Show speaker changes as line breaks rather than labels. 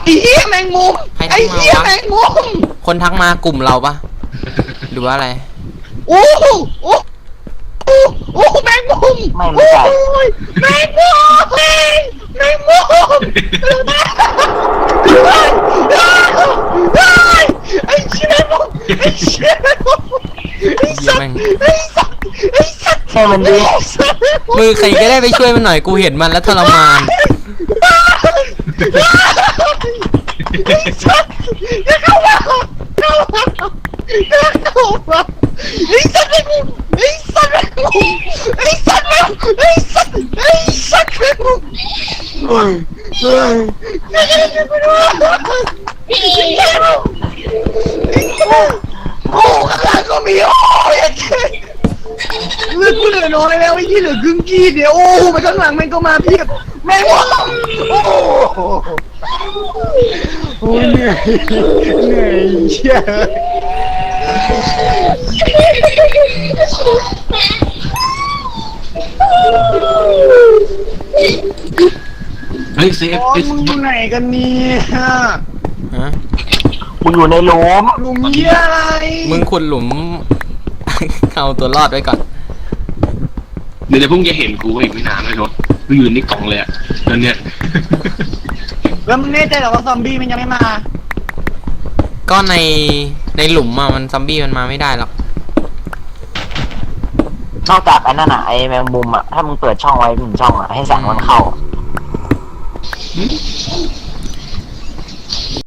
ไอ้เหี้ยแมงมุม
ใครทั
ไอ้
กมาวะ
เหี้ยแมงมุม
คนทักมากลุ่มเราปะหรือว่าอะไร
โอ้โหโอ้โหโอ้โหแมงมุม
ไม่ใช่
โอ้ยแมงมุมแมงมุมไอ้เชี่ยแมงมุมไอ้เชี่ยแมงมุมไอ้สัตว์ไอ้สัตว์ไอ้สัตว์
แค่มันดี
มือใครก็ได้ไปช่วยมันหน่อยกูเห็นมันแล้วทรมาน
ไอ้สัตว์อย่าเข้ามาอย่าเข้ามาไอ้สัตว์แมงมุมไอ้สัตว์แมงมุมไอ้สัตว์แมงมุมไอ้สัตว์ไอ้สัตว์แมงมุมโอ้ข้างหลังก็มีโอ้ยเลือดกูเหลือน้อยแล้วไอ้ที่เหลือครึ่งกี้เดียวโอ้ไปข้างหลังมันก็มาเพียบแม่งวะโอ้โหเหนื่อยเหนื่อยเชี่ย
เฮ้ยเซฟ
โอ้ยมึงอยู่ไหนกันเนี่ย
ฮะ
กูอยู่ในหลุม
หลุมเยี่ยอะไร
มึงขุดหลุม เอาตัวรอดไว้ก่อน
เดี๋ยวพรุ่งจะเห็นกูอีกไม่นานเลยรถกูยืนนี่กล่องเลยอะตอนเนี้ย
แล้วมึงแน่ใจเหรอว่าซอมบี้มันยังไม่มา
ก็ในหลุมอะมันซอมบี้มันมาไม่ได้หรอก
นอกจากไอ้นั่นอ่ะไอ้แมงมุมอ่ะถ้ามึงเปิดช่องไว้1 ช่องอ่ะให้แสงมันเข้า